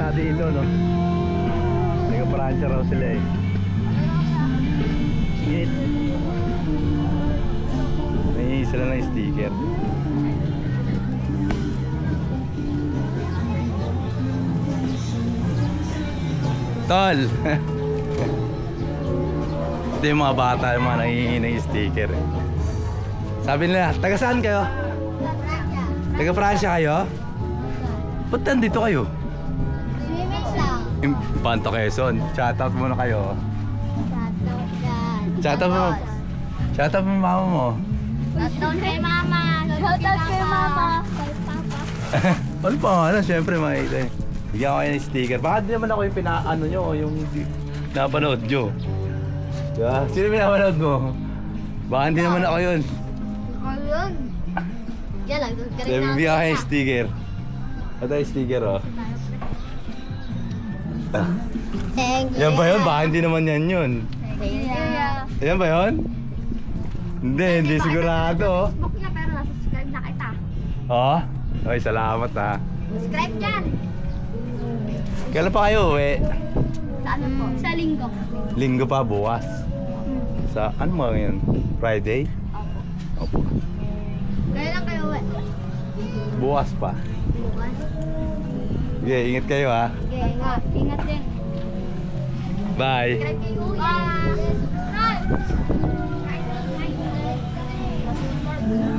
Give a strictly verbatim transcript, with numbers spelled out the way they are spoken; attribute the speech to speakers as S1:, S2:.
S1: nga dito, no? Taga-Pransya raw sila eh. Shit. May sila ng sticker. Tol! Ito yung mga bata, yung mga nangihingi ng sticker eh. Sabi nila, taga saan kayo? Taga Pransya kayo? Ba't nandito kayo?
S2: Swimming lang.
S1: Panto Quezon. Shoutout muna kayo.
S2: Shoutout dyan.
S1: Shoutout mo. Shoutout mo mama mo.
S2: Shoutout kay mama. Shoutout kay mama. Kay papa.
S1: Ano pa nga na? Siyempre makita eh. Bigyan ko kayo ng sticker. Baka di naman ako yung pinaano nyo, yung napanood nyo. Diba? Sino pinapanood mo? Baka hindi naman ako yun.
S2: Ako yun. Yan lang.
S1: Sabi, bigyan ko kayo ng sticker. Ito yung sticker oh.
S2: Thank you.
S1: Yan ba yun? Baka hindi naman yan yun.
S2: Thank you.
S1: Yan ba yun? Hindi, hindi sigurado.
S2: Facebook niya pero nasa-subscribe na kita.
S1: Oh? Okay, salamat ha.
S2: Subscribe dyan.
S1: Kailan pa kayo uwi?
S2: Sa ano po? Sa linggo.
S1: Linggo pa, bukas. Sa ano mga ngayon? Friday?
S2: Opo.
S1: Opo.
S2: Kaya lang kayo uwi.
S1: Bukas pa.
S2: Bukas.
S1: Sige, ingat kayo ha.
S2: Okay, ingat. Ingat din.
S1: Bye.
S2: Subscribe kay Kuya. Bye.